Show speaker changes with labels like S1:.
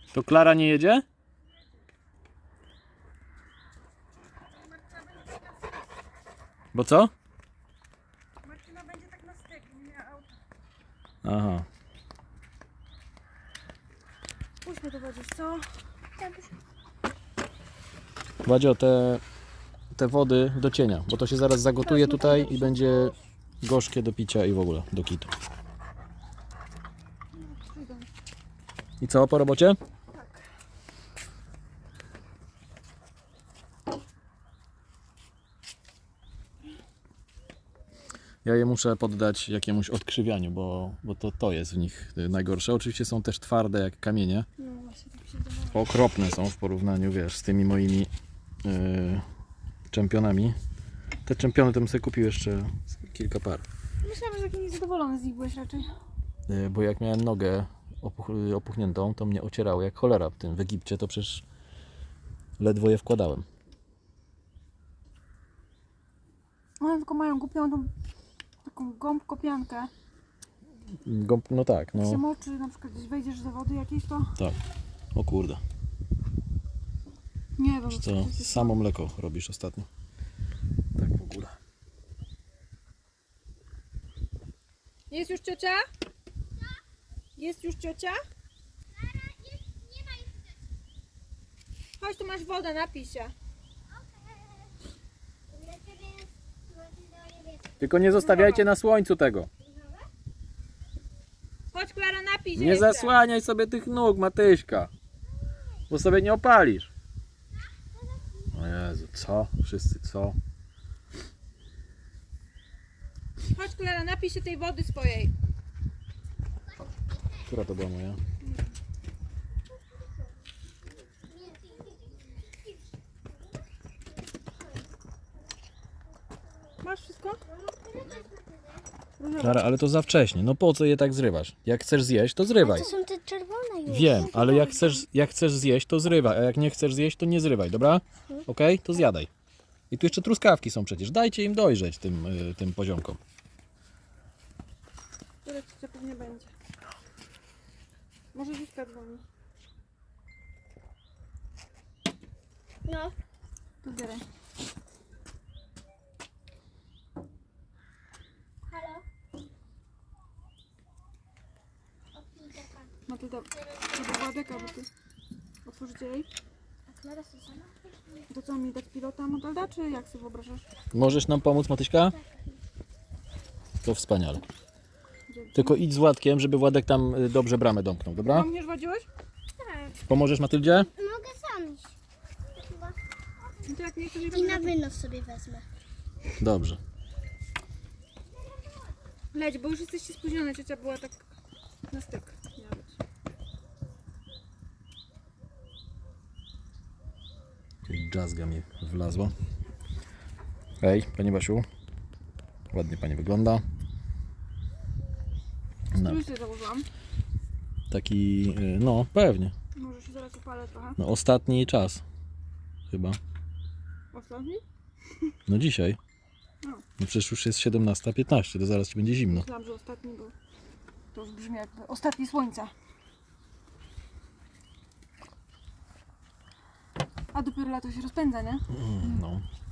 S1: To Klara nie jedzie? Bo co?
S2: Martyna będzie tak na styk, nie miała auta.
S1: Aha.
S2: Puśćmy to będziesz, co?
S1: Władzio, te wody do cienia, bo to się zaraz zagotuje tutaj i będzie gorzkie do picia i w ogóle do kitu. I co, po robocie? Ja je muszę poddać jakiemuś odkrzywianiu, bo to jest w nich najgorsze. Oczywiście są też twarde jak kamienie.
S2: No właśnie, tak się wydawało.
S1: Okropne są w porównaniu, wiesz, z tymi moimi czempionami. Te czempiony to bym sobie kupił jeszcze kilka par.
S2: Myślałam, że taki niezadowolony z nich byłeś raczej.
S1: Bo jak miałem nogę opuchniętą, to mnie ocierało jak cholera w Egipcie, to przecież ledwo je wkładałem.
S2: One tylko mają głupią tą taką gąbkopiankę.
S1: No tak,
S2: Jak się
S1: no
S2: moczy, na przykład gdzieś wejdziesz do wody jakiejś, to
S1: tak. O kurde,
S2: nie wiem,
S1: co samo mleko robisz ostatnio. Tak w ogóle.
S2: Jest już ciocia? Jest już ciocia? Chodź, tu masz wodę, napij się.
S1: Tylko nie zostawiajcie na słońcu tego.
S2: Chodź, Klara, napij się
S1: Nie
S2: jeszcze.
S1: zasłaniaj sobie tych nóg, Matyśka, bo sobie nie opalisz. O Jezu, co? Wszyscy co?
S2: Chodź, Klara, napij się tej wody swojej.
S1: Która to była moja?
S2: Masz wszystko?
S1: Klara, ale to za wcześnie. No po co je tak zrywasz? Jak chcesz zjeść, to zrywaj.
S3: To są te czerwone już.
S1: Wiem, ale jak chcesz zjeść, to zrywaj, a jak nie chcesz zjeść, to nie zrywaj, dobra? Okej? To zjadaj. I tu jeszcze truskawki są przecież. Dajcie im dojrzeć tym poziomkom.
S2: Tyle ciocia pewnie będzie. Może Zuzka dzwoni.
S3: No.
S2: To zbieraj.
S3: Halo?
S2: Matylda, to była deka, bo ty otworzycie jej.
S3: A Klara to sama?
S2: To co, mi dać pilota, Matylda, czy jak sobie wyobrażasz?
S1: Możesz nam pomóc, Matyśka? To wspaniale. Tylko idź z Władkiem, żeby Władek tam dobrze bramę domknął, dobra?
S2: Mnie wadziłeś?
S3: Tak.
S1: Pomożesz Matyldzie?
S3: Mogę sam iść. Chyba.
S2: No to jak nie chcesz,
S3: I na wynos sobie wezmę.
S1: Dobrze.
S2: Leć, bo już jesteście spóźnione, ciocia była tak na styk. Miała być.
S1: Jakaś dżazga mi wlazła. Hej, Pani Basiu. Ładnie Pani wygląda. No,
S2: Strój sobie założyłam.
S1: taki, no pewnie.
S2: Może się zaraz upalę trochę.
S1: No, ostatni czas. Chyba.
S2: Ostatni?
S1: No dzisiaj.
S2: No.
S1: No przecież już jest 17:15, to zaraz Ci będzie zimno.
S2: Myślałam, że ostatni był. To już brzmi jakby ostatni słońca. A dopiero lato się rozpędza, nie?
S1: No.